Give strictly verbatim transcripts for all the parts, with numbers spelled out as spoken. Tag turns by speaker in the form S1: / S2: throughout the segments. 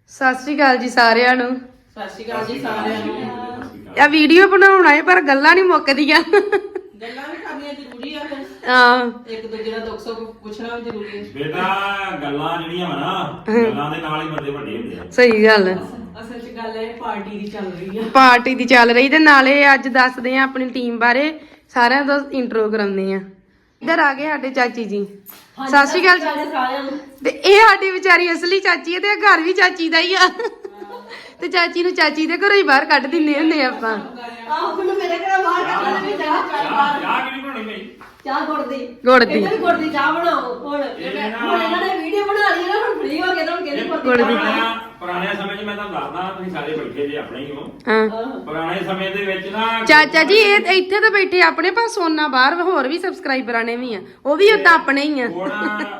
S1: ਸਤਿ ਸ਼੍ਰੀ ਅਕਾਲ ਜੀ ਸਾਰਿਆਂ ਨੂੰ।
S2: ਸਤਿ ਸ਼੍ਰੀ ਅਕਾਲ ਜੀ ਸਾਰਿਆਂ ਨੂੰ।
S1: ਇਹ ਵੀਡੀਓ ਬਣਾਉਣਾ ਹੈ ਪਰ ਗੱਲਾਂ ਨਹੀਂ ਮੁੱਕਦੀਆਂ।
S2: ਗੱਲਾਂ ਵੀ ਕਰਨੀਆਂ ਜ਼ਰੂਰੀ ਆ ਫਿਰ।
S1: ਹਾਂ
S2: ਇੱਕ ਦੂਜੇ ਦਾ ਦੁੱਖ ਸੁੱਖ ਪੁੱਛਣਾ ਵੀ ਜ਼ਰੂਰੀ ਹੈ।
S3: ਬੇਟਾ ਗੱਲਾਂ ਜਿਹੜੀਆਂ ਵਾ ਨਾ ਗੱਲਾਂ ਦੇ ਨਾਲ ਹੀ ਬੰਦੇ ਵੱਡੇ ਹੁੰਦੇ ਆ।
S1: ਸਹੀ ਗੱਲ ਹੈ।
S2: ਅਸਲ 'ਚ ਗੱਲ ਇਹ ਪਾਰਟੀ ਦੀ ਚੱਲ ਰਹੀ ਆ।
S1: ਪਾਰਟੀ ਦੀ ਚੱਲ ਰਹੀ ਤੇ ਨਾਲੇ ਅੱਜ ਦੱਸਦੇ ਆ ਆਪਣੀ ਟੀਮ ਬਾਰੇ, ਸਾਰਿਆਂ ਦਾ ਇੰਟਰੋ ਕਰਾਉਂਦੇ ਆ। ਇੱਧਰ ਆ ਗਏ ਸਾਡੇ ਚਾਚੀ ਜੀ। ਸਤਿ ਸ਼੍ਰੀ ਅਕਾਲ ਜੀ
S2: ਸਾਰਿਆਂ ਨੂੰ।
S1: ਤੇ ਇਹ ਸਾਡੀ ਵਿਚਾਰੀ ਅਸਲੀ ਚਾਚੀ ਹੈ ਤੇ ਇਹ ਘਰ ਵੀ ਚਾਚੀ ਦਾ ਹੀ ਆ। ਤੇ ਚਾਚੀ ਨੂੰ ਚਾਚੀ ਦੇ ਘਰੋਂ ਹੀ ਬਾਹਰ ਕੱਢ ਦਿੰਦੇ ਹੁੰਦੇ ਆਪਾਂ।
S2: ਆਹ ਮੈਨੂੰ ਮੇਰੇ ਘਰ ਬਾਹਰ ਕੱਢਣ ਵੀ ਜਾ
S3: ਚਾਹ ਚਾਹ ਕਿਹੜੀ ਬਣਾਉਣੀ ਭਾਈ?
S2: ਚਾਹ ਗੁੜ ਦੀ।
S1: ਗੁੜ ਦੀ।
S2: ਇਹਨਾਂ ਵੀ ਗੁੜ ਦੀ ਚਾਹ ਬਣਾਓ ਹੁਣ। ਹੁਣ ਇਹਨਾਂ ਨੇ ਵੀਡੀਓ ਬਣਾ ਲਈ ਨਾ, ਹੁਣ ਫ੍ਰੀ ਹੋ ਕੇ ਤੁਹਾਨੂੰ ਕਹਿੰਦੇ
S1: ਗੁੜ ਦੀ।
S3: ਪੁਰਾਣਿਆਂ ਪੁਰਾਣੇ ਸਮੇਂ 'ਚ ਮੈਂ ਤੁਹਾਨੂੰ ਦੱਸਦਾ, ਤੁਸੀਂ ਸਾਰੇ ਬੈਠੇ ਜੇ ਆਪਣੇ ਹੀ ਹੋ।
S1: ਹਾਂ
S3: ਪੁਰਾਣੇ ਸਮੇਂ ਦੇ ਵਿੱਚ ਨਾ
S1: ਚਾਚਾ ਜੀ ਇਹ ਇੱਥੇ ਤਾਂ ਬੈਠੇ ਆਪਣੇ ਪਾਸ, ਸੋਨਾ ਬਾਹਰ ਹੋਰ ਵੀ ਸਬਸਕ੍ਰਾਈਬਰਾਂ ਨੇ ਵੀ ਆ, ਉਹ ਵੀ ਉਦਾਂ ਆਪਣੇ ਹੀ ਆ।
S3: ਹੁਣ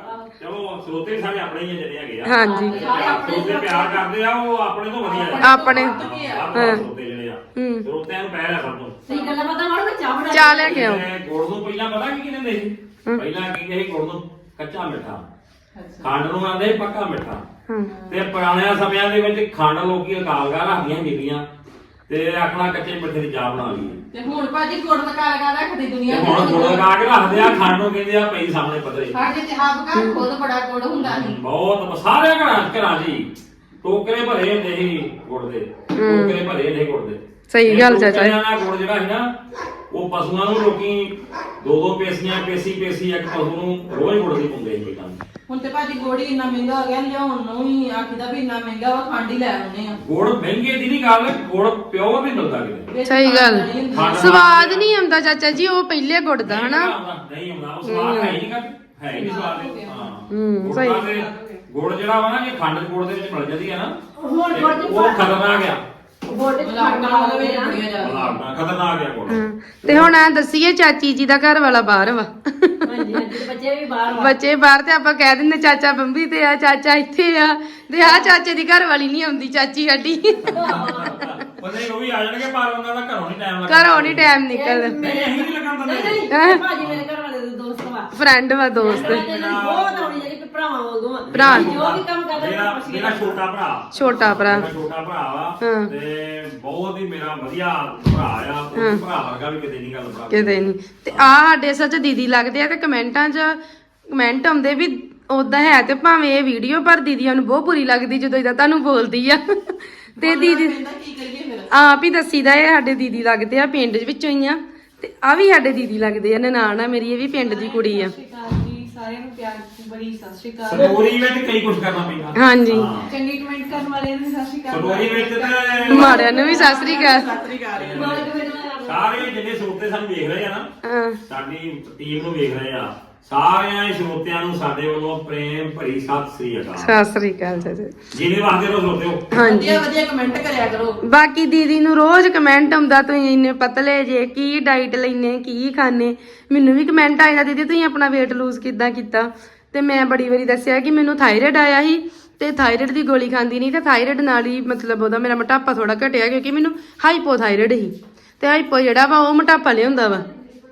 S3: ਚਲੋ ਸਰੋਤੇ ਵੀ ਸਾਰੇ ਆਪਣੇ ਹੀ ਆ ਜਿਹੜੇ ਹੈਗੇ ਆ।
S1: ਹਾਂਜੀ
S3: ਸਰੋਤੇ ਪਿਆਰ ਕਰਦੇ ਆ, ਉਹ ਆਪਣੇ ਤੋਂ ਵਧੀਆ ਆ।
S1: ਆਪਣੇ
S3: ਹਾਂ ਸਰੋਤੇ ਜਿਹੜੇ ਆ ਸਰੋਤਿਆਂ ਨੂੰ ਪਹਿਲ ਆ ਸਭ ਤੋਂ।
S2: ਸਹੀ ਗੱਲ ਪਤਾ ਹੁਣ ਮੈਂ ਚਾਹ ਬਣਾ
S1: ਚਾਹ ਲੈ ਕੇ ਆਓ।
S3: ਇਹ ਗੁੜ ਨੂੰ ਪਹਿਲਾਂ ਪਤਾ ਕੀ ਕਹਿੰਦੇ ਸੀ? ਪਹਿਲਾਂ ਕੀ ਕਹਿੰਦੇ ਸੀ ਗੁੜ ਨੂੰ? ਕੱਚਾ ਮਿੱਠਾ। ਖੰਡ ਨੂੰ ਆਂਦੇ ਪੱਕਾ ਮਿੱਠਾ। ਤੇ ਪੁਰਾਣਿਆਂ ਸਮਿਆਂ ਦੇ ਵਿੱਚ ਖੰਡ ਲੋਕੀ ਅਕਾਲਗਾ ਰੱਖਦੀਆਂ ਬੀਬੀਆਂ ਤੇ ਆਖਣਾ ਕੱਚੇ ਮਿੱਠੇ ਦੀ ਚਾਹ ਬਣਾ ਲਈ।
S2: ਤੇ ਹੁਣ ਭਾਜੀ ਗੁੜ ਲਗਾ ਲਗਾ ਰੱਖਦੀ ਦੁਨੀਆ।
S3: ਤੇ ਹੁਣ ਗੁੜ ਲਗਾ ਕੇ ਰੱਖਦੇ ਆ, ਖੰਡ ਨੂੰ ਕਹਿੰਦੇ ਆ ਪਈ ਸਾਹਮਣੇ ਪੱਧਰੇ।
S2: ਸਾਡੇ ਚਾਹ ਬਕਾ ਖੁਦ ਬੜਾ ਗੁੜ ਹੁੰਦਾ ਸੀ।
S3: ਬਹੁਤ ਸਾਰੇ ਘਰਾਂ ਘਰਾਂ ਜੀ ਟੋਕਰੇ ਭਰੇ ਹੁੰਦੇ ਸੀ ਗੁੜ ਦੇ, ਟੋਕਰੇ ਭਰੇ ਹੁੰਦੇ ਗੁੜ ਦੇ।
S1: ਸਹੀ ਗੱਲ ਚਾਚਾ ਜੀ।
S3: ਟੋਕਰਿਆਂ ਨਾਲ ਗੁੜ ਜਿਹੜਾ ਸੀ ਨਾ, ਉਹ ਪਸ਼ੂਆਂ ਨੂੰ ਲੋਕੀ ਦੋ ਦੋ ਪੇਸੀਆਂ ਪੇਸੀ ਪੇਸੀ ਇੱਕ ਪਸ਼ੂ ਨੂੰ ਰੋਜ਼ ਗੁੜ ਦੀ ਪਾਉਂਦੇ ਸੀ ਪਹਿਲਾਂ।
S2: ਹੁਣ ਤੇ ਭਾਜੀ ਗੁੜ ਹੀ ਇੰਨਾ ਮਹਿੰਗਾ ਹੋ ਗਿਆ, ਲਿਆਉਣ ਨੂੰ ਹੀ ਆਖੀਦਾ ਵੀ ਇੰਨਾ ਮਹਿੰਗਾ ਵਾ, ਖੰਡ ਹੀ ਲੈ ਆਉਨੇ ਆ।
S3: ਗੁੜ ਮਹਿੰਗੇ ਦੀ ਨਹੀਂ ਗੱਲ, ਗੁੜ ਪਿਓਰ ਨਹੀਂ ਮਿਲਦਾ ਕਿਤੇ।
S1: ਸਹੀ ਗੱਲ।
S3: ਖੰਡ
S1: ਸਵਾਦ ਨਹੀਂ ਆਉਂਦਾ ਚਾਚਾ ਜੀ ਉਹ ਪਹਿਲੇ ਗੁੜ ਦਾ ਹਨਾ।
S3: ਨਹੀਂ ਆਉਂਦਾ ਉਹ ਸਵਾਦ ਹੈ ਹੀ ਨਹੀਂ ਗਾ, ਹੈ ਹੀ ਨਹੀਂ ਸਵਾਦ। ਹਾਂ
S1: ਹੂੰ,
S3: ਗੁੜ ਦਾ ਤੇ ਗੁੜ ਜਿਹੜਾ ਵਾ ਨਾ, ਜੇ ਖੰਡ ਗੁੜ ਦੇ ਵਿੱਚ ਮਿਲ ਜਾਂਦੀ ਆ ਨਾ,
S2: ਹੁਣ
S3: ਤੇ
S2: ਗੁੜ ਚ
S3: ਉਹ ਖਤਰਨਾਕ ਆ।
S2: ਗੁੜ ਚ ਖੰਡ ਨਾਲ ਵੀ ਬੜੀਆਂ ਜਾ
S3: ਖਤਰਨਾਕ ਖਤਰਨਾਕ ਆ ਗੁੜ।
S1: ਤੇ ਹੁਣ ਆ ਦੱਸੀਏ ਚਾਚੀ ਜੀ ਦਾ ਘਰ ਵਾਲਾ ਬਾਹਰ ਵਾ।
S2: ਹਾਂਜੀ ਹਾਂਜੀ ਬੱਚੇ ਵੀ ਬਾਹਰ ਵਾ।
S1: ਬੱਚੇ ਬਾਹਰ ਤੇ ਆਪਾਂ ਕਹਿ ਦਿੰਦੇ ਚਾਚਾ ਬੰਬੀ ਤੇ ਆ, ਚਾਚਾ ਇੱਥੇ ਆ, ਤੇ ਆ ਚਾਚੇ ਦੀ ਘਰ ਵਾਲੀ ਨਹੀਂ ਆਉਂਦੀ, ਚਾਚੀ ਸਾਡੀ।
S3: ਉਹਨੇ ਉਹ ਵੀ ਆ ਜਾਣਗੇ ਪਰ ਉਹਨਾਂ ਦਾ ਘਰੋਂ ਨਹੀਂ ਟਾਈਮ ਲੱਗਦਾ।
S1: ਘਰੋਂ ਨਹੀਂ ਟਾਈਮ ਨਿਕਲਦਾ।
S3: ਨਹੀਂ ਅਸੀਂ ਨਹੀਂ ਲੱਗਣ ਦਿੰਦੇ।
S2: ਨਹੀਂ ਭਾਜੀ ਮੇਰੇ ਘਰ ਵਾਲੇ ਦੇ ਦੋਸਤ ਵਾ।
S1: ਫਰੈਂਡ ਵਾ ਦੋਸਤ।
S2: ਬਹੁਤ ਆਉਣੀ ਜਿਹੜੀ ਭਰਾਵਾਂ ਵਾਂਗੂ ਆ।
S1: ਭਰਾ।
S2: ਜੋ ਵੀ ਕੰਮ ਕਰਦਾ
S3: ਮੇਰਾ ਮੇਰਾ ਛੋਟਾ ਭਰਾ
S1: ਛੋਟਾ ਭਰਾ।
S3: ਮੇਰਾ ਛੋਟਾ ਭਰਾ ਵਾ
S1: ਹਾਂ।
S3: ਤੇ ਬਹੁਤ ਹੀ ਮੇਰਾ ਵਧੀਆ ਭਰਾ ਆ। ਉਹ ਭਰਾ ਵਰਗਾ ਵੀ ਕਿਤੇ ਨਹੀਂ ਗੱਲ ਭਰਾ।
S1: ਕਿਤੇ ਨਹੀਂ। ਤੇ ਆ ਸਾਡੇ ਸੱਚ ਦੀਦੀ ਲੱਗਦੇ ਆ ਤੇ ਕਮੈਂਟਾਂ 'ਚ ਕਮੈਂਟ ਆਉਂਦੇ ਵੀ ਉਦਾਂ ਹੈ ਤੇ ਭਾਵੇਂ ਇਹ ਵੀਡੀਓ, ਪਰ ਦੀਦੀਆਂ ਨੂੰ ਬਹੁਤ ਬੁਰੀ ਲੱਗਦੀ ਜਦੋਂ ਇਦਾਂ ਤੁਹਾਨੂੰ ਬੋਲਦੀ ਆ। ਤੇ ਦੀਦੀ
S2: ਕੀ ਕਰੀਏ ਫਿਰ?
S1: ਆਪ ਹੀ ਦੱਸੀਦਾ ਇਹ ਸਾਡੇ ਦੀਦੀ ਲੱਗਦੇ ਆ, ਪਿੰਡ ਵਿੱਚੋਂ ਹੀ ਆ। ਤੇ ਆ ਵੀ ਸਾਡੇ ਦੀਦੀ ਲੱਗਦੇ ਆ, ਨਨਾਣ ਆ ਮੇਰੀ, ਇਹ ਵੀ ਪਿੰਡ ਦੀ ਕੁੜੀ ਆ।
S2: ਸਤਿ ਸ਼੍ਰੀ ਅਕਾਲ ਜੀ ਸਾਰਿਆਂ ਨੂੰ, ਪਿਆਰ ਬੜੀ ਸਤਿ ਸ਼੍ਰੀ ਅਕਾਲ।
S3: ਸਟੋਰੀ ਵਿੱਚ ਕਈ ਕੁਝ ਕਰਨਾ ਪੈਂਦਾ।
S1: ਹਾਂਜੀ
S2: ਚੰਗੀ ਕਮੈਂਟ ਕਰਨ ਵਾਲਿਆਂ ਨੂੰ ਸਤਿ ਸ਼੍ਰੀ ਅਕਾਲ।
S3: ਸਟੋਰੀ ਵਿੱਚ ਤੇ
S1: ਮਾੜਿਆਂ ਨੂੰ ਵੀ ਸਤਿ ਸ੍ਰੀ ਅਕਾਲ।
S2: ਸਤਿ ਸ਼੍ਰੀ ਅਕਾਲ।
S3: ਸਾਰੇ ਜਿੰਨੇ ਸਰੋਤੇ ਸਾਨੂੰ ਵੇਖ ਰਹੇ ਆ ਨਾ,
S1: ਹਾਂ
S3: ਸਾਡੀ ਟੀਮ ਨੂੰ ਵੇਖ ਰਹੇ ਆ, ਸਾਰਿਆਂ ਹੀ ਸਰੋਤਿਆਂ ਨੂੰ ਸਾਡੇ ਵੱਲੋਂ ਪ੍ਰੇਮ ਭਰੀ ਸਤਿ ਸ੍ਰੀ ਅਕਾਲ।
S1: ਸਤਿ ਸ੍ਰੀ ਅਕਾਲ ਚਾਚਾ।
S3: ਜਿਹਨੇ ਵਾਸਤੇ ਰੋ ਸਰੋਤੇ ਹੋ।
S1: ਹਾਂਜੀ
S2: ਵਧੀਆ ਵਧੀਆ ਕਮੈਂਟ ਕਰਿਆ ਕਰੋ।
S1: ਬਾਕੀ ਦੀਦੀ ਨੂੰ ਰੋਜ਼ ਕਮੈਂਟ ਆਉਂਦਾ, ਤੁਸੀਂ ਇੰਨੇ ਪਤਲੇ ਜੇ, ਕੀ ਡਾਈਟ ਲੈਨੇ, ਕੀ ਖਾਣੇ। ਮੈਨੂੰ ਵੀ ਕਮੈਂਟ ਆਇਆ ਦੀਦੀ ਤੁਸੀਂ ਆਪਣਾ weight lose ਕਿੱਦਾਂ ਕੀਤਾ। ਤੇ ਮੈਂ ਬੜੀ ਵਾਰੀ ਦੱਸਿਆ ਕਿ ਮੈਨੂੰ ਥਾਇਰਾਇਡ ਆਇਆ ਸੀ ਤੇ ਥਾਇਰਾਇਡ ਦੀ ਗੋਲੀ ਖਾਂਦੀ ਨਹੀਂ, ਤੇ ਥਾਇਰਾਇਡ ਨਾਲ ਹੀ ਮਤਲਬ ਉਹਦਾ ਮੇਰਾ ਮੋਟਾਪਾ ਥੋੜਾ ਘਟਿਆ, ਕਿਉਂਕਿ ਮੈਨੂੰ ਹਾਈਪੋਥਾਇਰਾਇਡ ਸੀ। ਤੇ ਹਾਈਪੋ ਜਿਹੜਾ ਵਾ ਉਹ ਮੋਟਾਪਾ ਲਿਆਉਂਦਾ ਵਾ।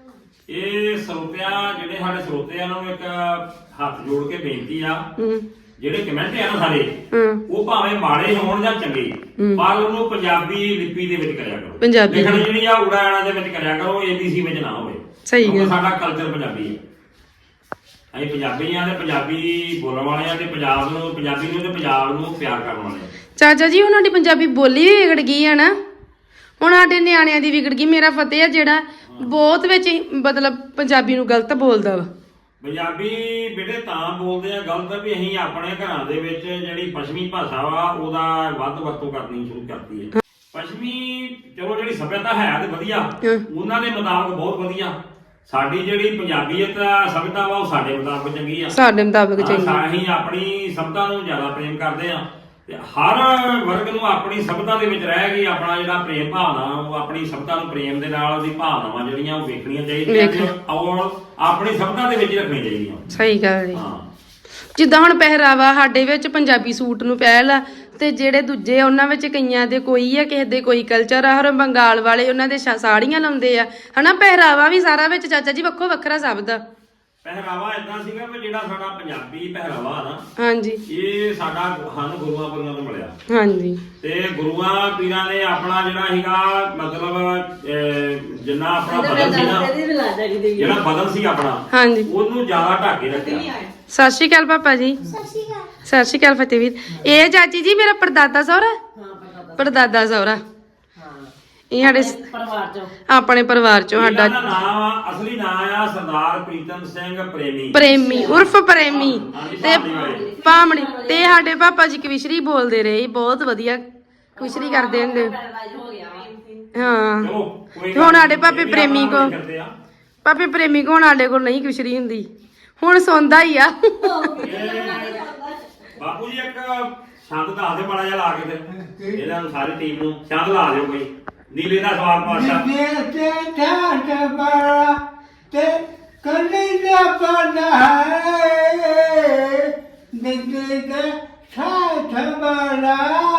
S3: ਇਹ ਸਰੋਤਿਆਂ ਜਿਹੜੇ ਸਾਡੇ ਸਰੋਤੇ ਆ, ਉਹਨਾਂ ਨੂੰ ਇੱਕ ਹੱਥ ਜੋੜ ਕੇ ਬੇਨਤੀ ਆ,
S1: ਹੂੰ
S3: ਜਿਹੜੇ ਕਮੈਂਟ ਆ ਨਾ ਸਾਡੇ,
S1: ਹੂੰ
S3: ਉਹ ਭਾਵੇਂ ਮਾੜੇ ਹੋਣ ਜਾਂ ਚੰਗੇ, ਪਰ ਉਹਨੂੰ ਪੰਜਾਬੀ ਲਿਪੀ ਦੇ ਵਿੱਚ ਕਰਿਆ ਕਰੋ।
S1: ਪੰਜਾਬੀ
S3: ਲਿਖਣ ਜਿਹੜੀ ਆ ਉੜਾਣਾ ਦੇ ਵਿੱਚ ਕਰਿਆ ਕਰੋ, ਏਬੀਸੀ ਵਿੱਚ ਨਾ ਹੋਵੇ।
S1: ਸਹੀ
S3: ਕਿਉਂਕਿ
S1: ਗੱਲ।
S3: ਸਾਡਾ ਕਲਚਰ ਪੰਜਾਬੀ ਹੈ। ਅਸੀਂ ਪੰਜਾਬੀ ਆ ਤੇ ਪੰਜਾਬੀ ਬੋਲਣ ਵਾਲੇ ਆ, ਤੇ ਪੰਜਾਬ ਨੂੰ ਪੰਜਾਬੀ ਨੂੰ ਤੇ ਪੰਜਾਬ ਨੂੰ ਪਿਆਰ ਕਰਨ ਵਾਲੇ ਆ।
S1: ਚਾਚਾ ਜੀ ਉਹਨਾਂ ਦੀ ਪੰਜਾਬੀ ਬੋਲੀ ਵੀ ਵਿਗੜ ਗਈ ਆ ਨਾ, ਹੁਣ ਸਾਡੇ ਨਿਆਣਿਆਂ ਦੀ ਵਿਗੜ ਗਈ। ਮੇਰਾ ਫਤਿਹ ਆ ਜਿਹੜਾ ਬਹੁਤ ਵਿੱਚ ਹੀ ਮਤਲਬ ਪੰਜਾਬੀ ਨੂੰ ਗਲਤ ਬੋਲਦਾ ਵਾ।
S3: ਪੰਜਾਬੀ ਬੇਟੇ ਤਾਂ ਬੋਲਦੇ ਆ ਗਲਤ ਵੀ ਅਸੀਂ ਆਪਣੇ ਘਰਾਂ ਦੇ ਵਿੱਚ ਜਿਹੜੀ ਪੱਛਮੀ ਭਾਸ਼ਾ ਵਾ ਉਹਦਾ ਵੱਧ ਵਰਤੋਂ ਕਰਨੀ ਸ਼ੁਰੂ ਕਰਤੀ ਹੈ। ਪੱਛਮੀ ਚਲੋ ਜਿਹੜੀ ਸਭਿਅਤਾ ਹੈ ਤੇ ਵਧੀਆ, ਉਹਨਾਂ ਦੇ ਮੁਤਾਬਕ ਬਹੁਤ ਵਧੀਆ। ਸਾਡੀ ਜਿਹੜੀ ਪੰਜਾਬੀਅਤ ਸਭਿਅਤਾ ਵਾ ਉਹ ਸਾਡੇ ਮੁਤਾਬਕ ਚੰਗੀ ਆ।
S1: ਸਾਡੇ ਮੁਤਾਬਕ ਚੰਗੀ।
S3: ਅਸੀਂ ਆਪਣੀ ਸਭਿਅਤਾ ਨੂੰ ਜ਼ਿਆਦਾ ਪ੍ਰੇਮ ਕਰਦੇ ਆ, ਤੇ ਹਰ ਵਰਗ ਨੂੰ ਆਪਣੀ ਸਭਿਅਤਾ ਦੇ ਵਿੱਚ ਰਹਿ ਕੇ ਆਪਣਾ ਜਿਹੜਾ ਪ੍ਰੇਮ ਭਾਵਨਾ, ਉਹ ਆਪਣੀ ਸਭਿਅਤਾ ਨੂੰ ਪ੍ਰੇਮ ਦੇ ਨਾਲ ਉਹਦੀ ਭਾਵਨਾਵਾਂ ਜਿਹੜੀਆਂ ਉਹ ਵੇਖਣੀਆਂ ਚਾਹੀਦੀਆਂ ਔਰ ਆਪਣੀ ਸਭਿਅਤਾ ਦੇ ਵਿੱਚ ਰੱਖਣੀਆਂ ਚਾਹੀਦੀਆਂ।
S1: ਸਹੀ ਗੱਲ ਜੀ।
S3: ਹਾਂ
S1: ਜਿੱਦਾਂ ਹੁਣ ਪਹਿਰਾਵਾ ਸਾਡੇ ਵਿੱਚ ਪੰਜਾਬੀ ਸੂਟ ਨੂੰ ਪਹਿਲ ਆ, ਤੇ ਜਿਹੜੇ ਦੂਜੇ ਉਹਨਾਂ ਵਿੱਚ ਕਈਆਂ ਦੇ ਕੋਈ ਆ, ਕਿਸੇ ਦੇ ਕੋਈ ਕਲਚਰ ਆ। ਹਰ ਬੰਗਾਲ ਵਾਲੇ ਉਹਨਾਂ ਦੇ ਸਾੜੀਆਂ ਲਾਉਂਦੇ ਆ ਹਨਾ। ਪਹਿਰਾਵਾ ਵੀ ਸਾਰਾ ਵਿੱਚ ਚਾਚਾ ਜੀ ਵੱਖੋ ਵੱਖਰਾ ਸਭ ਦਾ।
S3: ਪਹਿਰਾਵਾ ਇਦਾਂ ਸੀਗਾ ਵੀ ਜਿਹੜਾ ਸਾਡਾ ਪੰਜਾਬੀ ਪਹਿਰਾਵਾ ਨਾ
S1: ਹਾਂਜੀ
S3: ਇਹ ਸਾਡਾ ਸਾਨੂੰ ਗੁਰੂਆਂ ਪੀਰਾਂ ਤੋਂ ਮਿਲਿਆ।
S1: ਹਾਂਜੀ
S3: ਤੇ ਗੁਰੂਆਂ ਪੀਰਾਂ ਨੇ ਆਪਣਾ ਜਿਹੜਾ ਸੀਗਾ ਮਤਲਬ ਅਹ, ਜਿੰਨਾ ਆਪਣਾ ਬਦਨ ਸੀ ਨਾ, ਜਿਹੜਾ ਬਦਨ ਸੀ ਆਪਣਾ
S1: ਹਾਂਜੀ
S3: ਉਹਨੂੰ ਜ਼ਿਆਦਾ ਢੱਕ ਕੇ ਰੱਖਿਆ।
S1: ਸਤਿ ਸ਼੍ਰੀ ਅਕਾਲ ਪਾਪਾ ਜੀ। ਸਤਿ ਸ਼੍ਰੀ ਅਕਾਲ ਫਤਿਹਵੀਰ। ਇਹ ਚਾਚੀ ਜੀ ਮੇਰਾ ਪਰਦਾਦਾ ਸਹੁਰਾ ਪਰਦਾਦਾ ਸਹੁਰਾ ਇਹ ਸਾਡੇ
S2: ਪਰਿਵਾਰ ਚੋਂ
S1: ਆਪਣੇ ਪਰਿਵਾਰ ਚੋਂ ਸਾਡਾ
S3: ਇਹਨਾਂ ਦਾ ਨਾਮ ਆ, ਅਸਲੀ ਨਾਮ ਆ ਸਰਦਾਰ ਪ੍ਰੀਤਮ ਸਿੰਘ ਪ੍ਰੇਮੀ
S1: ਪ੍ਰੇਮੀ ਉਰਫ ਪ੍ਰੇਮੀ
S3: ਹਾਂਜੀ,
S1: ਤੇ
S3: ਭਾਮੜੀ ਵਾਲੇ।
S1: ਪਾਮੜੀ ਤੇ ਸਾਡੇ ਪਾਪਾ ਜੀ ਕਵਿਸ਼ਰੀ ਬੋਲਦੇ ਰਹੇ ਬਹੁਤ ਵਧੀਆ ਕਵਿਸ਼ਰੀ ਕਰਦੇ ਹੁੰਦੇ ਹਾਂ।
S3: ਚਲੋ ਕੋਈ
S1: ਤੇ ਹੁਣ ਸਾਡੇ
S3: ਗੱਲ
S1: ਪਾਪੇ
S3: ਨਹੀਂ,
S1: ਪ੍ਰੇਮੀ
S3: ਇਹ ਵੀ
S1: ਕੋ
S3: ਆਪਣਾ ਕਰਦੇ ਆ।
S1: ਪਾਪੇ ਪ੍ਰੇਮੀ ਕੋ ਹੁਣ ਸਾਡੇ ਕੋਲ ਨਹੀਂ ਕਵਿਸ਼ਰੀ ਹੁੰਦੀ ਹੁਣ ਸੌਂਦਾ ਹੀ ਆ।
S3: ਇਹ ਬਾਪੂ ਜੀ ਇੱਕ ਛੰਦ ਦੱਸ ਦੇ ਮਾੜਾ ਜਿਹਾ ਲਾ ਕੇ ਤੇ ਇਹਨਾਂ ਨੂੰ ਸਾਰੀ ਟੀਮ ਨੂੰ ਛੰਦ ਲਾ ਦਿਓ ਕੋਈ ਨੀਲੇ ਦਾ ਸਵਾਲ ਪਾਸ਼ਾ।
S4: ਤੇ ਠਾਠ ਬੜਾ ਤੇ ਕਲੀ ਦਾ ਬਣਾ ਹੈ ਨਿੱਕੇ ਦੇ ਠਾਠ ਬੜਾ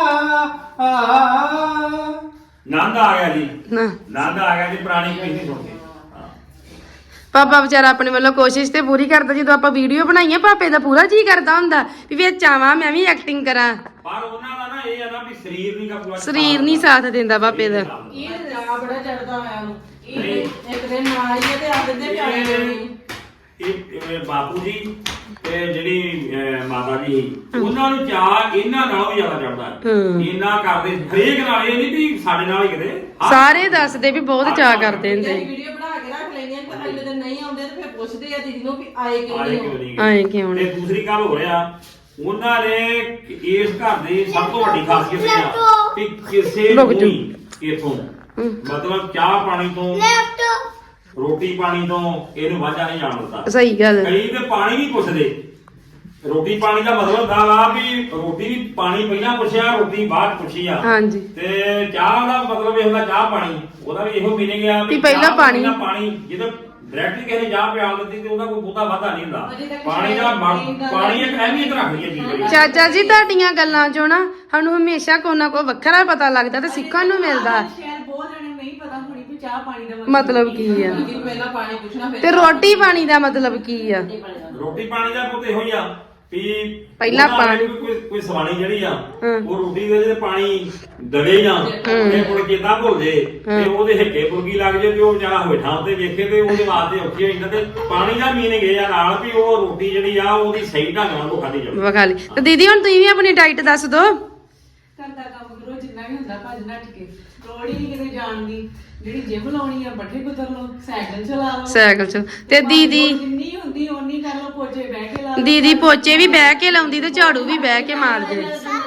S3: ਨੰਦ ਆ ਗਿਆ ਜੀ,
S1: ਨਾ
S3: ਨੰਦ ਆ ਗਿਆ ਜੀ ਪੁਰਾਣੀ ਕਵਿਸ਼ਰੀ ਸੁਣ ਕੇ। ਹਾਂ।
S1: ਪਾਪਾ ਵਿਚਾਰਾ ਆਪਣੇ ਵੱਲੋਂ ਕੋਸ਼ਿਸ਼ ਤੇ ਪੂਰੀ ਕਰਦਾ। ਜਦੋਂ ਆਪਾਂ ਵੀਡੀਓ ਬਣਾਈਏ ਪਾਪੇ ਦਾ ਪੂਰਾ ਜੀ ਕਰਦਾ ਹੁੰਦਾ ਵੀ ਵਿੱਚ ਆਵਾਂ ਮੈਂ ਵੀ ਐਕਟਿੰਗ ਕਰਾਂ।
S3: ਪਰ ਉਹਨਾਂ ਦਾ ਨਾ ਇਹ ਆ ਨਾ ਵੀ ਸਰੀਰ ਨਹੀਂ ਕਾ ਪੂਰਾ
S1: ਸਰੀਰ ਨਹੀਂ ਸਾਥ ਦਿੰਦਾ ਪਾਪੇ ਦਾ।
S2: ਇਹ ਜਾ ਬੜਾ ਚੜਦਾ ਹੋਇਆ ਉਹਨੂੰ ਇਹ ਇੱਕ ਦਿਨ ਨਾਲ ਹੀ ਤੇ ਆ ਦਿੰਦੇ ਪਿਆਰੇ ਨਹੀਂ
S3: ਇਹ ਇਹ ਬਾਪੂ ਜੀ ਤੇ ਜਿਹੜੀ ਅਹ, ਮਾਤਾ ਜੀ ਸੀ, ਉਹਨਾਂ ਨੂੰ ਚਾਹ ਇਹਨਾਂ ਨਾਲੋਂ ਵੀ ਜ਼ਿਆਦਾ ਚੜਦਾ
S1: ਹੂੰ।
S3: ਇੰਨਾ ਕਰਦੇ ਹਰੇਕ ਨਾਲ, ਇਹ ਨਹੀਂ ਵੀ ਸਾਡੇ ਨਾਲ ਹੀ ਕਿਤੇ ਹਰ-
S1: ਸਾਰੇ ਦੱਸਦੇ ਵੀ ਬਹੁਤ ਚਾਅ ਕਰਦੇ ਹੁੰਦੇ
S2: ਵੀਡੀਓ ਬਣਾ ਕੇ ਰੱਖ ਲੈਂਦੇ ਆ ਤੇ ਅਗਲੇ ਦਿਨ ਨਹੀਂ ਆਉਂਦੇ ਤੇ ਫਿਰ ਪੁੱਛਦੇ ਆ ਦੀਦੀ ਨੂੰ ਵੀ ਆਏ ਕਿਉਂ
S3: ਆਏ
S2: ਨਹੀਂ
S3: ਕਿਉਂ
S2: ਹੋ
S3: ਨਹੀਂ
S1: ਆਏ ਕਿਉਂ
S3: ਤੇ
S1: ਨਹੀਂ।
S3: ਦੂਸਰੀ ਗੱਲ ਹੋ ਰਿਹਾ ਉਹਨਾਂ ਨੇ ਇਸ ਘਰ ਦੀ ਸਭ ਤੋਂ ਵੱਡੀ ਖਾਸੀਅਤ ਇਹ ਆ ਕਿ ਕਿਸੇ ਨੂੰ
S1: ਰੁਕ ਜਾਓ।
S3: ਵੀ ਇਥੋਂ ਮਤਲਬ ਚਾਹ ਪਾਣੀ ਤੋਂ ਰੋਟੀ ਪਾਣੀ ਤੋਂ ਇਹਨੂੰ ਵਾਝਾ ਨਹੀਂ ਜਾਣ ਦਿੱਤਾ।
S1: ਸਹੀ ਗੱਲ
S3: ਕਈ ਤੇ ਪਾਣੀ ਨਹੀਂ ਪੁੱਛਦੇ। ਰੋਟੀ ਪਾਣੀ ਦਾ ਮਤਲਬ ਹੁੰਦਾ ਵਾ ਵੀ ਰੋਟੀ ਵੀ ਪਾਣੀ ਪਹਿਲਾਂ ਪੁੱਛਿਆ ਰੋਟੀ ਬਾਅਦ ਪੁੱਛੀ ਆ।
S1: ਹਾਂਜੀ
S3: ਤੇ ਚਾਹ ਦਾ ਮਤਲਬ ਇਹ ਹੁੰਦਾ ਚਾਹ ਪਾਣੀ, ਉਹਦਾ ਵੀ ਇਹੋ ਮੀਨਿੰਗ ਆ
S1: ਵੀ ਪਹਿਲਾਂ
S3: ਚਾਹ
S1: ਪਾਣੀ।
S3: ਦਾ ਪਾਣੀ ਜਦੋਂ ਡਾਇਰੈਕਟਲੀ ਕਿਸੇ ਨੇ ਚਾਹ ਪਿਆਲ ਦਿੱਤੀ ਤੇ ਉਹਦਾ ਕੋਈ ਬਹੁਤਾ ਵਾਧਾ ਨਹੀਂ ਹੁੰਦਾ।
S2: ਅਜੇ ਤੱਕ
S3: ਪਾਣੀ ਦਾ ਮ-
S2: ਸ਼ਾਇਦ
S3: ਪਾਣੀ ਇੱਕ ਅਹਿਮੀਅਤ ਰੱਖਦੀ ਹੈ ਚੀਜ਼ ਵਿੱਚ।
S1: ਚਾਚਾ ਜੀ ਤੁਹਾਡੀਆਂ ਗੱਲਾਂ ਚੋਂ ਨਾ ਸਾਨੂੰ ਹਮੇਸ਼ਾ ਕੋਈ ਨਾ ਕੋਈ ਵੱਖਰਾ ਪਤਾ ਲੱਗਦਾ ਤੇ ਸਿੱਖਣ ਨੂੰ ਮਿਲਦਾ।
S2: ਸ਼ਾਇਦ ਬਹੁਤ ਜਣੇ ਨਹੀਂ ਪਤਾ ਹੋਣੀ ਕਿ ਚਾਹ ਪਾਣੀ ਦਾ
S1: ਮਤਲਬ ਕੀ ਆ
S2: ਲੇਕਿਨ ਪਹਿਲਾਂ ਪਾਣੀ ਪੁੱਛਣਾ ਫਿਰ
S1: ਤੇ ਰੋਟੀ ਪਾਣੀ ਦਾ ਮਤਲਬ ਕੀ ਆ।
S3: ਰੋਟੀ ਪਾਣੀ ਦਾ ਪੁੱਤ ਇਹੋ ਹੀ ਆ ਵੀ
S1: ਪਹਿਲਾਂ
S3: ਉਹਨਾਂ ਨੇ
S1: ਪਾਣੀ-
S3: ਕੋਈ ਕੋਈ ਸਵਾਣੀ ਜਿਹੜੀ ਆ
S1: ਹਾਂ।
S3: ਉਹ ਰੋਟੀ ਦੇ ਜਿਹੜੇ ਪਾਣੀ ਦਵੇ ਨਾ ਤੇ ਕੋਲ ਕਿਦਾਂ ਭੁੱਲ ਜੇ ਤੇ ਉਹਦੇ ਹਿੱਕੇ ਪੁਰਗੀ ਲੱਗ ਜੇ ਤੇ ਉਹ ਵਿਚਾਰਾ ਹੇਠਾਂ ਉੱਤੇ ਵੇਖੇ ਤੇ ਉਹਦੇ ਵਾਸਤੇ ਔਖੀ ਹੋ ਜਾਂਦਾ। ਤੇ ਪਾਣੀ ਦਾ ਮੀਨਿੰਗ ਇਹ ਆ ਨਾਲ ਵੀ ਉਹ ਰੋਟੀ ਜਿਹੜੀ ਆ ਉਹਦੀ ਸਹੀ ਢੰਗ ਨਾਲ ਉਹ ਖਾਧੀ ਜਾਵੇ।
S1: ਵਿਖਾ ਲਈ ਤੇ ਦੀਦੀ ਹੁਣ ਤੁਸੀਂ ਵੀ ਆਪਣੀ ਡਾਈਟ ਦੱਸ ਦਿਓ।
S2: ਘਰ ਦਾ ਕੰਮ ਕਰੋ ਜਿੰਨਾ ਵੀ ਹੁੰਦਾ ਭੱਜ ਨੱਠ ਕੇ ਲੋੜ ਹੀ ਨਹੀਂ ਕਿਤੇ ਜਾਣ ਦੀ। ਜਿਹੜੀ ਜਿਮ ਲਾਉਣੀ ਆ ਬੱਠੇ ਕੁਤਰ ਲਓ ਸਾਈਕਲ ਚਲਾ ਲਓ
S1: ਸਾਈਕਲ ਚ ਤੇ ਦੀਦੀ
S2: ਜਿੰਨੀ ਹੁੰਦੀ ਓਨੀ ਕਰ ਲਓ ਪੋਚੇ ਬਹਿ ਕੇ ਲਾ ਲਓ
S1: ਦੀਦੀ ਪੋਚੇ ਵੀ ਬਹਿ ਕੇ ਲਾਉਂਦੀ ਤੇ ਝਾੜੂ ਵੀ ਬਹਿ ਕੇ ਮਾਰਦੇ।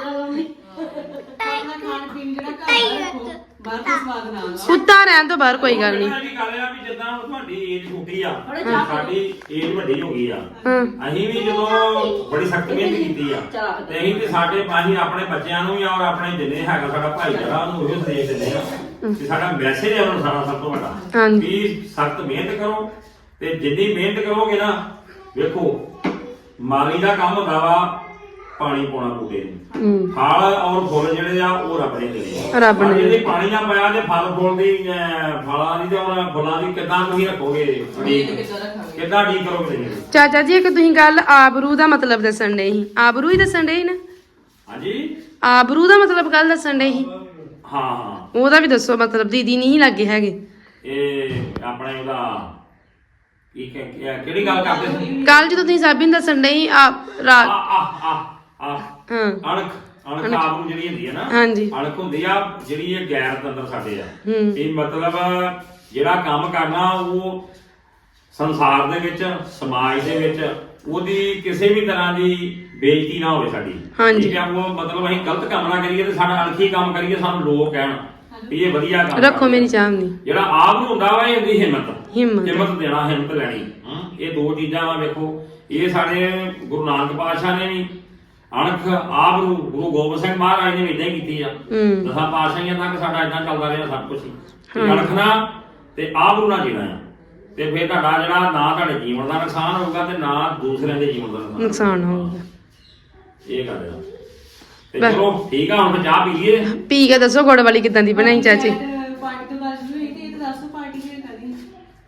S2: ਆਪਣਾ ਖਾਣ ਪੀਣ ਜਿਹੜਾ ਘਰ ਦਾ ਰੱਖੋ ਬਾਹਰ ਦਾ ਸਵਾਦ ਨਾ ਆਉਂਦਾ
S1: ਕੁੱਤਾ ਰਹਿਣ ਤੋਂ ਬਾਹਰ ਕੋਈ ਗੱਲ ਨਹੀਂ।
S3: ਇਹ ਵੀ ਗੱਲ ਆ ਵੀ ਜਿੱਦਾਂ ਹੁਣ ਤੁਹਾਡੀ ਏਜ ਛੋਟੀ ਆ ਸਾਡੀ ਏਜ ਵੱਡੀ ਹੋ ਗਈ ਆ।
S1: ਹਾਂ
S3: ਅਸੀਂ ਵੀ ਜਦੋਂ ਬੜੀ ਸਖਤ ਮਿਹਨਤ ਕੀਤੀ ਆ ਤੇ ਅਸੀਂ ਤੇ ਸਾਡੇ ਅਸੀਂ ਆਪਣੇ ਬੱਚਿਆਂ ਨੂੰ ਵੀ ਔਰ ਆਪਣੇ ਜਿੰਨੇ ਹੈਗਾ ਸਾਡਾ ਭਾਈਚਾਰਾ ਉਹਨੂੰ ਉਹ ਸੰਦੇਸ਼ ਦਿੰਦੇ ਆ ਕਿ ਸਾਡਾ ਮੈਸੇਜ ਹੈ ਉਹਨਾਂ ਸਾਰਾ ਸਭ ਤੋਂ ਵੱਡਾ
S1: ਹਾਂਜੀ
S3: ਵੀ ਸਖਤ ਮਿਹਨਤ ਕਰੋ ਤੇ ਜਿੰਨੀ ਮਿਹਨਤ ਕਰੋਗੇ ਨਾ ਵੇਖੋ ਮਾਲੀ ਦਾ ਕੰਮ ਹੁੰਦਾ ਵਾ ਪਾਣੀ ਪਾਉਣਾ ਬੂਟੇ ਨੂੰ।
S1: ਹੂੰ
S3: ਫਲ ਔਰ ਫੁੱਲ ਜਿਹੜੇ ਆ ਉਹ ਰੱਬ ਨੇ ਦੇਣੇ ਆ।
S1: ਰੱਬ ਨੇ
S3: ਪਰ ਜੇ ਪਾਣੀ ਨਾ ਪਾਇਆ ਤੇ ਫਲ ਫੁੱਲ ਦੀ ਅਹ, ਫਲਾਂ ਦੀ ਤੇ ਉਹਨਾਂ ਫੁੱਲਾਂ ਦੀ ਕਿੱਦਾਂ ਤੁਸੀਂ ਰੱਖੋਗੇ
S2: ਨੀਂਦ ਕਿੱਦਾਂ ਰੱਖਾਂਗੇ
S3: ਕਿੱਦਾਂ ਠੀਕ ਕਰੋਗੇ ਤੁਸੀਂ?
S1: ਚਾਚਾ ਜੀ ਇੱਕ ਤੁਸੀਂ ਗੱਲ ਆਬਰੂ ਦਾ ਮਤਲਬ ਦੱਸਣ ਡਏ ਸੀ। ਆਬਰੂ ਹੀ ਦੱਸਣ ਡਏ ਸੀ ਨਾ।
S3: ਹਾਂਜੀ
S1: ਆਬਰੂ ਦਾ ਮਤਲਬ ਕੱਲ ਦੱਸਣ ਡਏ ਸੀ।
S3: ਹਾਂ ਹਾਂ
S1: ਉਹਦਾ ਵੀ ਦੱਸੋ ਮਤਲਬ। ਦੀਦੀ ਨਹੀਂ ਲੱਗੇ ਹੈਗੇ।
S3: ਇਹ ਆਪਣੇ ਉਹਦਾ ਇੱਕ ਕਿਹੜੀ ਗੱਲ ਕਰਦੇ ਸੀ?
S1: ਕੱਲ ਜਦੋਂ ਤੁਸੀਂ ਸਾਬੀ ਨੂੰ ਦੱਸਣ ਡਏ ਸੀ ਆ
S3: ਆ
S1: ਰਾਤ
S3: ਆ ਆ ਆ
S1: ਹਾਂ
S3: ਅਣਖ ਅਣਖ ਆਪ ਨੂੰ ਜਿਹੜੀ ਹੁੰਦੀ ਹੈ ਨਾ
S1: ਹਾਂਜੀ
S3: ਅਣਖ ਹੁੰਦੀ ਆ ਜਿਹੜੀ ਇਹ ਗੈਰ ਤੰਦਰ ਸਾਡੇ ਆ।
S1: ਹੂੰ
S3: ਇਹ ਮਤਲਬ ਜਿਹੜਾ ਕੰਮ ਕਰਨਾ ਉਹ ਸੰਸਾਰ ਦੇ ਵਿੱਚ ਸਮਾਜ ਦੇ ਵਿੱਚ ਉਹਦੀ ਕਿਸੇ ਵੀ ਤਰ੍ਹਾਂ ਦੀ ਬੇਇੱਜ਼ਤੀ ਨਾ ਹੋਵੇ ਸਾਡੀ।
S1: ਹਾਂਜੀ।
S3: ਠੀਕ ਆ ਉਹ ਮਤਲਬ ਅਸੀਂ ਗਲਤ ਕੰਮ ਨਾ ਕਰੀਏ ਤੇ ਸਾਡਾ ਅਣਖੀ ਕੰਮ ਕਰੀਏ ਸਾਨੂੰ ਲੋਕ ਕਹਿਣ ਵੀ ਇਹ ਵਧੀਆ ਕੰਮ
S1: ਰੱਖੋ
S3: ਕਰਦਾ।
S1: ਮੇਰੀ ਚਾਹ ਨਹੀਂ
S3: ਜਿਹੜਾ ਆਪ ਨੂੰ ਹੁੰਦਾ ਵਾ ਇਹ ਹੁੰਦੀ ਹਿੰਮਤ
S1: ਹਿੰਮਤ
S3: ਹਿੰਮਤ ਦੇਣਾ ਹਿੰਮਤ ਲੈਣੀ। ਹਮ, ਇਹ ਦੋ ਚੀਜ਼ਾਂ ਵਾ ਵੇਖੋ ਇਹ ਸਾਡੇ ਗੁਰੂ ਨਾਨਕ ਪਾਤਸ਼ਾਹ ਨੇ ਵੀ ਅਣਖ ਆਪ ਨੂੰ ਗੁਰੂ ਗੋਬਿੰਦ ਸਿੰਘ ਮਹਾਰਾਜ ਨੇ ਵੀ ਇਦਾਂ ਹੀ ਕੀਤੀ ਆ।
S1: ਹੂੰ
S3: ਦਸਾਂ ਪਾਤਸ਼ਾਹੀਆਂ ਤੱਕ ਸਾਡਾ ਇਦਾਂ ਚੱਲਦਾ ਰਿਹਾ ਸਭ ਕੁਝ
S1: ਹਾਂ।
S3: ਅਣਖ ਨਾ ਤੇ ਆਪ ਨੂੰ ਨਾ ਜੀਣਾ ਆ ਤੇ ਫਿਰ ਤੁਹਾਡਾ ਜਿਹੜਾ ਨਾ ਤੁਹਾਡੇ ਜੀਵਨ ਦਾ ਨੁਕਸਾਨ ਹੋਊਗਾ ਤੇ ਨਾ ਦੂਸਰਿਆਂ ਦੇ ਜੀਵਨ ਦਾ ਨੁਕਸਾਨ
S1: ਨੁਕਸਾਨ ਹੋਊਗਾ।
S3: ਇਹ ਗੱਲ ਆ ਤੇ
S1: ਬਸ।
S3: ਚਲੋ ਠੀਕ ਆ ਹੁਣ ਚਾਹ ਪੀ ਲਈਏ।
S1: ਪੀ ਕੇ ਦੱਸੋ ਗੁੜ ਵਾਲੀ ਕਿਦਾਂ ਦੀ ਬਣਾਈ ਚਾਚੀ।
S2: ਪਾਰਟੀ ਤੋਂ ਬਾਅਦ ਸ਼ੁਰੂ ਹੋਈ ਤੇ ਇਹ ਤਾਂ ਦੱਸੋ ਪਾਰਟੀ ਕਿਹੜੀ ਕਰਨੀ ਪਾਰਟੀ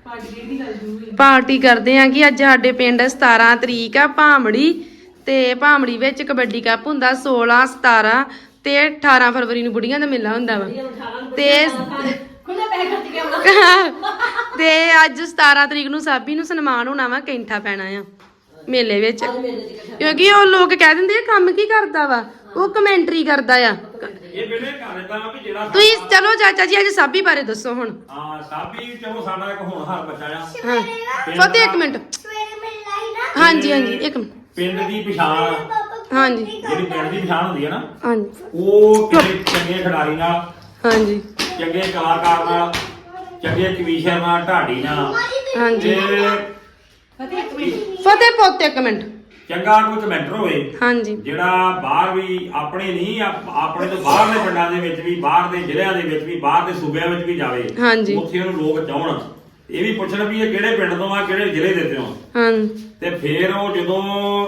S2: ਦੀ ਗੱਲ ਸ਼ੁਰੂ ਹੋਈ।
S1: ਪਾਰਟੀ ਕਰਦੇ ਆ ਕਿ ਅੱਜ ਸਾਡੇ ਪਿੰਡ ਸਤਾਰਾਂ ਤਰੀਕ ਆ ਭਾਮੜੀ ਤੇ ਭਾਮੜੀ ਵਿੱਚ ਕਬੱਡੀ ਕੱਪ ਹੁੰਦਾ ਸੋਲਾਂ ਸਤਾਰਾਂ ਤੇ ਅਠਾਰਾਂ ਫਰਵਰੀ ਨੂੰ ਬੁੜੀਆਂ ਦਾ ਮੇਲਾ ਹੁੰਦਾ ਵਾ ਤੇ
S5: ਖੁੱਲੇ ਪੈਸੇ ਖਰਚ ਕੇ ਆਉਣਾ।
S1: ਤੇ ਅੱਜ ਸਤਾਰਾਂ ਤਰੀਕ ਨੂੰ ਸਾਬੀ ਨੂੰ ਸਨਮਾਨ ਹੋਣਾ ਵਾ ਕੈਂਠਾ ਪੈਣਾ ਆ ਮੇਲੇ ਵਿੱਚ ਕਿਉਂਕਿ ਉਹ ਲੋਕ ਕਹਿ ਦਿੰਦੇ ਆ ਕੰਮ ਕੀ ਕਰਦਾ ਵਾ ਉਹ ਕਮੈਂਟਰੀ ਕਰਦਾ ਆ
S3: ਇਹ ਬੇਟੇ ਘਰ ਦਾ ਵੀ ਜਿਹੜਾ
S1: ਤੁਸੀਂ ਚਲੋ ਚਾਚਾ ਜੀ ਅੱਜ ਸਾਬੀ ਬਾਰੇ ਦੱਸੋ ਹੁਣ
S3: ਹਾਂ ਸਾਬੀ ਚਲੋ ਸਾਡਾ ਇੱਕ ਹੋਣਹਾਰ ਬੱਚਾ ਆ
S1: ਹਾਂ ਫਤਿਹ ਇੱਕ ਮਿੰਟ ਹਾਂਜੀ ਹਾਂਜੀ ਇੱਕ ਮਿੰਟ
S3: ਪਿੰਡ ਦੀ ਪਛਾਣ
S1: ਹਾਂਜੀ
S3: ਜਿਹੜੀ ਪਿੰਡ ਦੀ ਪਛਾਣ ਹੁੰਦੀ ਹੈ ਨਾ
S1: ਹਾਂਜੀ
S3: ਉਹ ਕਿਸੇ ਚੰਗੇ ਖਿਡਾਰੀ ਨਾਲ
S1: ਹਾਂਜੀ
S3: ਚੰਗੇ ਕਲਾਕਾਰ ਨਾਲ ਚੰਗੇ ਕਵੀਸ਼ਰ ਨਾਲ ਢਾਡੀ ਨਾਲ
S1: ਹਾਂਜੀ
S3: ਤੇ
S2: ਫਤਿਹ ਇੱਕ ਮਿੰਟ
S1: ਫਤਿਹ ਪੁੱਤ ਇੱਕ ਮਿੰਟ
S3: ਚੰਗਾ ਕੋਈ ਕਮੈਂਟਰ ਹੋਵੇ
S1: ਹਾਂਜੀ
S3: ਜਿਹੜਾ ਬਾਹਰ ਵੀ ਆਪਣੇ ਨਹੀਂ ਆਪ- ਆਪਣੇ ਤੋਂ ਬਾਹਰਲੇ ਪਿੰਡਾਂ ਦੇ ਵਿੱਚ ਵੀ ਬਾਹਰ ਦੇ ਜ਼ਿਲ੍ਹਿਆਂ ਦੇ ਵਿੱਚ ਵੀ ਬਾਹਰ ਦੇ ਸੂਬਿਆਂ ਵਿੱਚ ਵੀ ਜਾਵੇ
S1: ਹਾਂਜੀ
S3: ਉੱਥੇ ਉਹਨੂੰ ਲੋਕ ਚਾਹਣ ਇਹ ਵੀ ਪੁੱਛਣ ਵੀ ਇਹ ਕਿਹੜੇ ਪਿੰਡ ਤੋਂ ਆ ਕਿਹੜੇ ਜ਼ਿਲ੍ਹੇ ਦੇ ਤੋਂ ਆ
S1: ਹਾਂ
S3: ਤੇ ਫਿਰ ਉਹ ਜਦੋਂ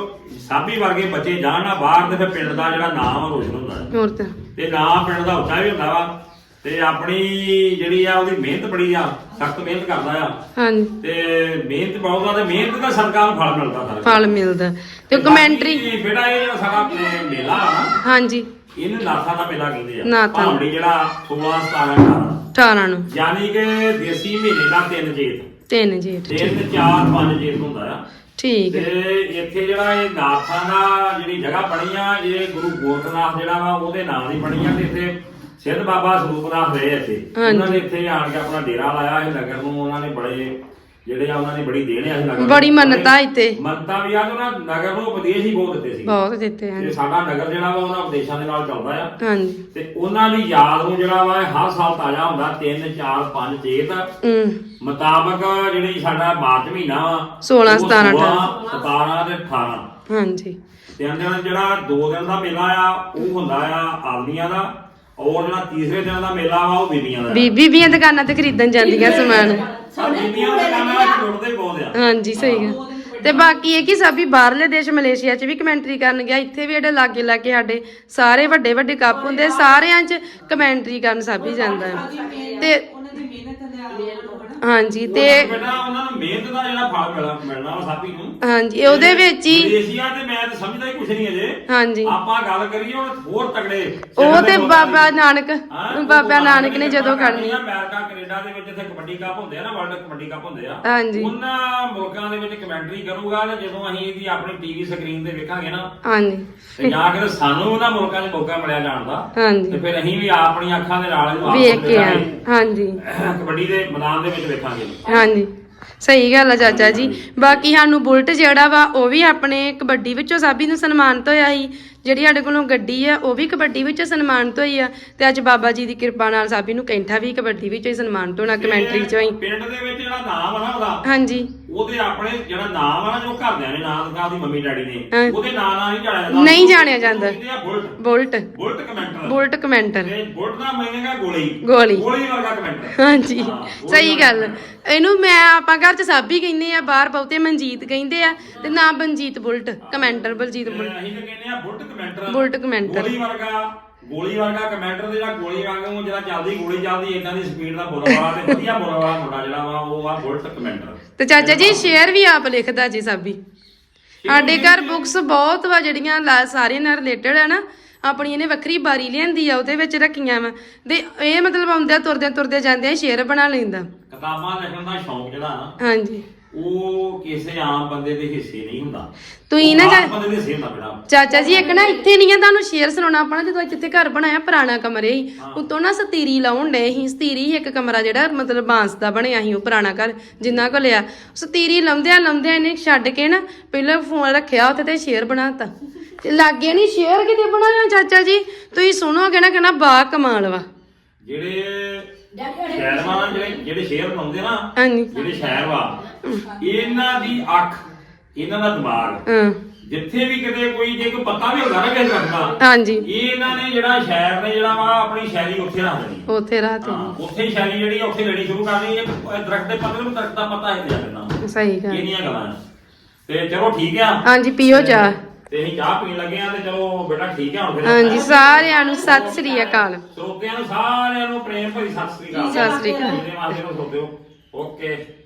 S3: ਸਾਬੀ ਵਰਗੇ ਬੱਚੇ ਜਾਣ ਨਾ ਬਾਹਰ ਤੇ ਫਿਰ ਪਿੰਡ ਦਾ ਜਿਹੜਾ ਨਾਮ ਆ ਰੋਸ਼ਨ ਹੁੰਦਾ ਹੈ
S1: ਹੋਰ ਤਾਂ
S3: ਤੇ ਨਾਮ ਪਿੰਡ ਦਾ ਉੱਚਾ ਵੀ ਹੁੰਦਾ ਵਾ ਤੇ ਆਪਣੀ ਜਿਹੜੀ ਆ ਉਹਦੀ ਮਿਹਨਤ ਬੜੀ ਆ ਸਖਤ ਮਿਹਨਤ ਕਰਦਾ ਆ
S1: ਹਾਂਜੀ
S3: ਤੇ ਮਿਹਨਤ ਬਹੁਤ ਆ ਤੇ ਮਿਹਨਤ ਦਾ ਸਰਕਾਰ ਨੂੰ ਫਲ ਮਿਲਦਾ ਸਾਰਾ
S1: ਫਲ ਮਿਲਦਾ ਤੇ ਕਮੈਂਟਰੀ
S3: ਬਾਕੀ ਬੇਟਾ ਇਹ ਜਿਹੜਾ ਸਾਡਾ ਅਹ, ਮੇਲਾ ਆ ਨਾ
S1: ਹਾਂਜੀ
S3: ਇਹਨੂੰ ਨਾਥਾਂ ਦਾ ਮੇਲਾ ਕਹਿੰਦੇ ਆ
S1: ਨਾਥਾਂ।
S3: ਭਾਮੜੀ ਜਿਹੜਾ ਸੋਲਾਂ ਸਤਾਰਾਂ ਅਠਾਰਾਂ
S1: ਅਠਾਰਾਂ ਨੂੰ
S3: ਯਾਨੀ ਕਿ ਦੇਸੀ ਮਹੀਨੇ ਦਾ ਤਿੰਨ ਜੇਠ
S1: ਤਿੰਨ ਜੇਠ
S3: ਤਿੰਨ ਚਾਰ ਪੰਜ ਜੇਠ ਹੁੰਦਾ ਆ
S1: ਠੀਕ
S3: ਤੇ
S1: ਹੈ
S3: ਇੱਥੇ ਜਿਹੜਾ ਇਹ ਨਾਥਾਂ ਦਾ ਜਿਹੜੀ ਜਗ੍ਹਾ ਬਣੀ ਆ ਇਹ ਗੁਰੂ ਗੋਰਖਨਾਥ ਜਿਹੜਾ ਵਾ ਉਹਦੇ ਨਾਮ ਦੀ ਬਣੀ ਆ ਤੇ ਇੱਥੇ ਸਿੱਧ ਬਾਬਾ ਸਰੂਪਨਾਥ ਰਹੇ ਇੱਥੇ
S1: ਹਾਂਜੀ।
S3: ਉਹਨਾਂ ਨੇ ਇੱਥੇ ਆਣ ਕੇ ਆਪਣਾ ਡੇਰਾ ਲਾਇਆ ਇਹ ਨਗਰ ਨੂੰ ਉਹਨਾਂ ਨੇ ਬੜੇ ਜਿਹੜੇ ਆ ਉਹਨਾਂ ਨੇ ਬੜੀ ਦੇਣ ਆ ਇਸ ਨਗਰ ਨੂੰ।
S1: ਬੜੀ ਮੰਨਤਾ ਇੱਥੇ
S3: ਮੰਨਤਾ ਵੀ ਆ ਤੇ ਉਹਨਾਂ ਨਗਰ ਨੂੰ ਉਪਦੇਸ਼ ਹੀ ਬਹੁਤ ਦਿੱਤੇ ਸੀ
S1: ਬਹੁਤ ਦਿੱਤੇ
S3: ਤੇ
S1: ਹਨ
S3: ਸਾਡਾ ਨਗਰ ਜਿਹੜਾ ਵਾ ਉਹਨਾਂ ਉਪਦੇਸ਼ਾਂ ਦੇ ਨਾਲ ਚੱਲਦਾ ਆ
S1: ਹਾਂਜੀ
S3: ਤੇ ਉਹਨਾਂ ਦੀ ਯਾਦ ਨੂੰ ਜਿਹੜਾ ਵਾ ਇਹ ਹਰ ਸਾਲ ਤਾਜ਼ਾ ਹੁੰਦਾ ਤਿੰਨ ਚਾਰ ਪੰਜ ਚੇਤ
S1: ਹਮ
S3: ਮੁਤਾਬਕ ਜਿਹੜੀ ਸਾਡਾ ਮਾਰਚ ਮਹੀਨਾ ਵਾ
S1: ਸੋਲਾਂ,
S3: ਉਹ
S1: ਸਤਾਰਾਂ,
S3: ਸੋਲਾਂ, ਸਤਾਰਾਂ ਤੇ ਅਠਾਰਾਂ
S1: ਹਾਂਜੀ
S3: ਤਿੰਨ ਦਿਨ ਜਿਹੜਾ ਦੋ ਦਿਨ ਦਾ ਮੇਲਾ ਆ ਉਹ ਹੁੰਦਾ ਆ ਆਦਮੀਆਂ ਦਾ ਔਰ ਜਿਹੜਾ ਤੀਸਰੇ ਦਿਨ ਦਾ ਮੇਲਾ ਵਾ ਉਹ ਬੀਬੀਆਂ ਦਾ ਆ।
S1: ਬੀਬੀ ਵੀ ਦੁਕਾਨਾਂ ਤੇ ਖਰੀਦਣ ਜਾਂਦੀਆਂ ਸਮਾਨ
S3: ਆਹ ਬੀਬੀਆਂ ਦੇ ਦੁਕਾਨਾਂ ਵਿੱਚ ਜੁੜਦੇ ਬਹੁਤ ਆ
S1: ਹਾਂਜੀ ਸਹੀ ਗੱਲ ਤੇ ਬਾਕੀ ਇਹ ਕਿ ਸਾਬੀ ਬਾਹਰਲੇ ਦੇਸ਼ ਮਲੇਸ਼ੀਆ 'ਚ ਵੀ ਕਮੈਂਟਰੀ ਕਰਨ ਗਿਆ ਇੱਥੇ ਵੀ ਜਿਹੜੇ ਲਾਗੇ ਲਾਗੇ ਸਾਡੇ ਸਾਰੇ ਵੱਡੇ ਵੱਡੇ ਕੱਪ ਹੁੰਦੇ ਸਾਰਿਆਂ 'ਚ ਕਮੈਂਟਰੀ ਕਰਨ ਸਾਬੀ ਜਾਂਦਾ ਹੈ ਤੇ
S2: ਉਹਨਾਂ ਦੀ ਮਿਹਨਤ ਦਾ ਉਹਨਾਂ ਨੂੰ ਹਨਾ
S1: ਹਾਂਜੀ ਤੇ
S3: ਬੇਟਾ ਉਹਨਾਂ ਨੂੰ ਮਿਹਨਤ ਦਾ ਜਿਹੜਾ ਫਲ ਮਿਲਣਾ ਮਿਲਣਾ ਵਾ ਸਾਬੀ ਨੂੰ
S1: ਹਾਂਜੀ ਉਹਦੇ ਵਿੱਚ ਹੀ
S3: ਮਲੇਸ਼ੀਆ ਤੇ ਮੈਂ ਤਾਂ ਸਮਝਦਾ ਹੀ ਕੁਛ ਨਹੀਂ ਅਜੇ
S1: ਹਾਂਜੀ
S3: ਆਪਾਂ ਗੱਲ ਕਰੀਏ ਹੁਣ ਹੋਰ ਤਗੜੇ
S1: ਉਹ ਤੇ ਬਾਬਾ ਨਾਨਕ
S3: ਹਾਂ,
S1: ਬਾਬਾ ਨਾਨਕ ਨੇ ਜਦੋਂ ਕਰਨੀ
S3: ਅਮਰੀਕਾ ਕੈਨੇਡਾ ਦੇ ਵਿੱਚ ਇੱਥੇ ਕਬੱਡੀ ਕੱਪ ਹੁੰਦੇ ਆ ਨਾ ਵਰਲਡ ਕਬੱਡੀ ਕੱਪ ਹੁੰਦੇ ਆ
S1: ਹਾਂਜੀ
S3: ਉਹਨਾਂ ਮੁਲਕਾਂ ਦੇ ਵਿੱਚ ਕਮੈਂਟਰੀ ਕਰੂਗਾ ਤੇ ਜਦੋਂ ਅਸੀਂ ਇਹਦੀ ਆਪਣੀ ਟੀਵੀ ਸਕਰੀਨ ਤੇ ਵੇਖਾਂਗੇ ਨਾ
S1: ਹਾਂਜੀ
S3: ਤੇ ਜਾਂ ਕਿ ਸਾਨੂੰ ਉਹਨਾਂ ਮੁਲਕਾਂ 'ਚ ਮੌਕਾ ਮਿਲਿਆ ਜਾਣ ਦਾ ਤੇ
S1: ਹਾਂਜੀ
S3: ਫਿਰ ਅਸੀਂ ਵੀ ਆਪਣੀਆਂ ਅੱਖਾਂ ਦੇ ਨਾਲ ਇਹਨੂੰ ਆਪ
S1: ਵੇਖ ਕੇ ਆ
S3: ਵੇਖਾਂਗੇ।
S1: ਹਾਂਜੀ
S3: ਕਬੱਡੀ ਦੇ ਮੈਦਾਨ ਦੇ ਵਿੱਚ ਵੇਖਾਂਗੇ
S1: ਹਾਂਜੀ ਸਹੀ ਗੱਲ ਆ ਚਾਚਾ ਜੀ ਬਾਕੀ ਸਾਨੂੰ ਬੁਲਟ ਜਿਹੜਾ ਵਾ ਉਹ ਵੀ ਆਪਣੇ ਕਬੱਡੀ ਵਿੱਚੋਂ ਸਾਬੀ ਨੂੰ ਸਨਮਾਨਿਤ ਹੋਇਆ ਸੀ ਜਿਹੜੀ ਸਾਡੇ ਕੋਲੋਂ ਗੱਡੀ ਆ ਉਹ ਵੀ ਕਬੱਡੀ ਵਿੱਚੋਂ ਸਨਮਾਨਿਤ ਹੋਈ ਆ ਤੇ ਅੱਜ ਬਾਬਾ ਜੀ ਦੀ ਕਿਰਪਾ ਨਾਲ ਸਾਬੀ ਨੂੰ ਕੈਂਠਾ ਵੀ ਕਬੱਡੀ ਵਿੱਚੋਂ ਹੀ ਸਨਮਾਨਿਤ ਹੋਣਾ ਕਮੈਂਟਰੀ ਚੋਂ ਹੀ
S3: ਪਿੰਡ ਦੇ ਵਿੱਚ ਜਿਹੜਾ ਨਾਮ ਆ ਨਾ ਉਹਦਾ
S1: ਹਾਂਜੀ
S3: ਉਹਦੇ ਆਪਣੇ ਜਿਹੜਾ ਨਾਮ ਆ ਨਾ ਜੋ ਘਰਦਿਆਂ ਨੇ ਨਾਮ ਦਿੱਤਾ ਉਹਦੀ ਮੰਮੀ ਡੈਡੀ ਨੇ
S1: ਹਾਂ।
S3: ਉਹਦੇ ਨਾਂ ਨਾਲ ਨਹੀਂ ਜਾਣਿਆ ਜਾਂਦਾ
S1: ਨਹੀਂ ਜਾਣਿਆ ਜਾਂਦਾ।
S3: ਉਹਨੂੰ ਕਹਿੰਦੇ ਆ bullet
S1: bullet
S3: bullet commenter
S1: bullet commenter
S3: ਤੇ ਬੁਲਟ ਦਾ ਮਹੀਨੇਗਾ ਗੋਲੀ
S1: ਗੋਲੀ
S3: ਗੋਲੀ ਵਰਗਾ ਕਮੈਂਟਰ
S1: ਹਾਂਜੀ
S3: ਹਾਂ, ਗੋਲੀ
S1: ਸਹੀ
S3: ਵਰਗਾ
S1: ਗੱਲ ਇਹਨੂੰ ਮੈਂ ਆਪਾਂ ਘਰ ਚ ਸਾਬੀ ਕਹਿੰਦੇ ਆ ਬਾਹਰ ਬਹੁਤੇ ਮਨਜੀਤ ਕਹਿੰਦੇ ਆ ਤੇ ਨਾ ਬਨਜੀਤ ਬੁਲਟ ਕਮੈਂਟਰ ਬਲਜੀਤ
S3: ਤੇ
S1: ਬੁਲਟ
S3: ਅਸੀਂ ਤਾਂ ਕਹਿੰਦੇ ਆ ਬੁਲਟ ਕਮੈਂਟਰ
S1: ਬੁਲਟ ਕਮੈਂਟਰ।
S3: ਗੋਲੀ ਵਰਗਾ ਗੋਲੀ ਵਰਗਾ ਕਮੈਂਟਰ ਤੇ ਜਿਹੜਾ ਗੋਲੀ ਵਾਂਗੂ ਜਿਹੜਾ ਚੱਲਦੀ ਗੋਲੀ ਚੱਲਦੀ ਇਦਾਂ ਦੀ ਸਪੀਡ ਦਾ ਬੋਲ ਵਾਲਾ ਤੇ ਵਧੀਆ ਬੋਲ ਵਾਲਾ ਮੁੰਡਾ ਜਿਹੜਾ ਵਾ ਉਹ ਆ ਬੁਲਟ ਕਮੈਂਟਰ
S1: ਤੇ ਚਾਚਾ ਜੀ ਸ਼ੇਅਰ ਵੀ ਆਪ ਲਿਖਦਾ ਜੀ ਸਾਬੀ ਸਾਡੇ ਘਰ ਬੁੱਕਸ ਬਹੁਤ ਵਾ ਜਿਹੜੀਆਂ ਲਾ- ਸਾਰਿਆਂ ਨਾਲ ਰਿਲੇਟਡ ਹੈ ਨਾ ਆਪਣੀ ਇਹਨੇ ਵੱਖਰੀ ਬਾਰੀ ਲਿਆਂਦੀ ਆ ਉਹਦੇ ਵਿੱਚ ਰੱਖੀਆਂ ਵਾ ਤੇ ਇਹ ਮਤਲਬ ਆਉਂਦੇ ਤੁਰਦੇ ਤੁਰਦੇ ਜਾਂਦੇ ਸ਼ੇਅਰ ਬਣਾ ਲੈਂਦਾ
S3: ਕਿਤਾਬਾਂ ਲਿਖਣ ਦਾ ਸ਼ੌਂਕ ਜਿਹੜਾ ਨਾ
S1: ਹਾਂਜੀ
S3: ਉਹ ਕਿਸੇ ਆਮ ਬੰਦੇ ਦੇ ਹਿੱਸੇ ਨਹੀਂ ਹੁੰਦਾ
S1: ਤੁਸੀਂ ਨਾ
S3: ਉਹ
S1: ਚਾ-
S3: ਆਮ ਬੰਦੇ ਦੇ ਹਿੱਸੇ ਹੁੰਦਾ ਬੇਟਾ
S1: ਚਾਚਾ ਜੀ ਇੱਕ ਨਾ ਇੱਥੇ ਨਹੀਂ ਆ ਤੁਹਾਨੂੰ ਸ਼ੇਅਰ ਸੁਣਾਉਣਾ ਆਪਣਾ ਜਦੋਂ ਜਿੱਥੇ ਘਰ ਬਣਾਇਆ ਪੁਰਾਣਾ ਕਮਰੇ ਹੀ ਉਤੋਂ ਨਾ ਸਤੀਰੀ ਲਾਉਣ ਡਏ ਸੀ ਸਤੀਰੀ ਸੀ ਇੱਕ ਕਮਰਾ ਜਿਹੜਾ ਮਤਲਬ ਬਾਂਸ ਦਾ ਬਣਿਆ ਸੀ ਉਹ ਪੁਰਾਣਾ ਘਰ ਜਿੰਨਾ ਕੋ ਲਿਆ ਸਤੀਰੀ ਲਾਉਂਦਿਆਂ ਲਾਉਂਦਿਆਂ ਇਹਨੇ ਛੱਡ ਕੇ ਨਾ ਪਹਿਲਾਂ ਫੋਨ ਰੱਖਿਆ ਉੱਥੇ ਤੇ ਸ਼ੇਅਰ ਬਣਾਤਾ ਤੇ ਲਾਗੇ ਨਹੀਂ ਸ਼ੇਅਰ ਕਿਤੇ ਬਣਾਇਆ ਚਾਚਾ ਜੀ ਤੁਸੀਂ ਸੁਣੋਗੇ ਨਾ ਕਹਿਣਾ ਬਾ ਕਮਾਲ ਵਾ
S3: ਜਿਹੜੇ ਸ਼ਹਿਰ ਵਾ ਨਾ, ਜਿਹੜੇ ਜਿਹੜੇ ਸ਼ਹਿਰ ਬਣਾਉਂਦੇ ਨਾ
S1: ਹਾਂਜੀ
S3: ਜਿਹੜੇ ਸ਼ਹਿਰ ਵਾ ਇਹਨਾਂ ਦੀ ਅੱਖ ਇਹਨਾਂ ਦਾ ਦਿਮਾਗ
S1: ਹਾਂ
S3: ਜਿੱਥੇ ਵੀ ਕਿਤੇ ਕੋਈ ਜੇ ਕੋਈ ਪੱਤਾ ਵੀ ਹੁੰਦਾ ਨਾ ਕਿਸੇ ਦਰਖਤ ਦਾ
S1: ਹਾਂਜੀ
S3: ਇਹ ਇਹਨਾਂ ਨੇ ਜਿਹੜਾ ਸ਼ਹਿਰ ਨੇ ਜਿਹੜਾ ਵਾ ਆਪਣੀ ਸ਼ੈਲੀ ਉੱਥੇ ਰੱਖ ਦੇਣੀ
S1: ਉੱਥੇ ਰਾਤ
S3: ਹਾਂ ਉੱਥੇ ਹੀ ਸ਼ੈਲੀ ਜਿਹੜੀ ਆ ਉੱਥੇ ਲੈਣੀ ਸ਼ੁਰੂ ਕਰ ਦੇਣੀ ਇਹ ਦਰਖਤ ਦੇ ਪੱਤੇ ਨੂੰ ਦਰਖਤ ਦਾ ਪੱਤਾ ਹੀ ਜਾ ਦੇਣਾ
S1: ਸਹੀ ਗੱਲ
S3: ਇਹਨੀਆਂ ਗੱਲਾਂ ਆ। ਤੇ ਚਲੋ ਠੀਕ ਆ
S1: ਹਾਂਜੀ ਪੀਓ ਚਾਹ
S3: ਤੇ ਅਸੀਂ ਚਾਹ ਪੀਣ ਲੱਗੇ ਆ ਤੇ ਚਲੋ ਬੇਟਾ ਠੀਕ ਆ ਹੁਣ ਫਿਰ
S1: ਹਾਂਜੀ ਸਾਰਿਆਂ ਨੂੰ ਸਤਿ ਸ੍ਰੀ ਅਕਾਲ
S3: ਸਰੋਤਿਆਂ ਨੂੰ ਸਾਰਿਆਂ ਨੂੰ ਪ੍ਰੇਮ ਭਰੀ ਸਤਿ ਸ੍ਰੀ ਅਕਾਲ
S1: ਸਤਿ ਸ੍ਰੀ ਅਕਾਲ।
S3: ਜਿਹਦੇ ਵਾਸਤੇ ਨੂੰ ਸਰੋਤਿਓ ਓਕੇ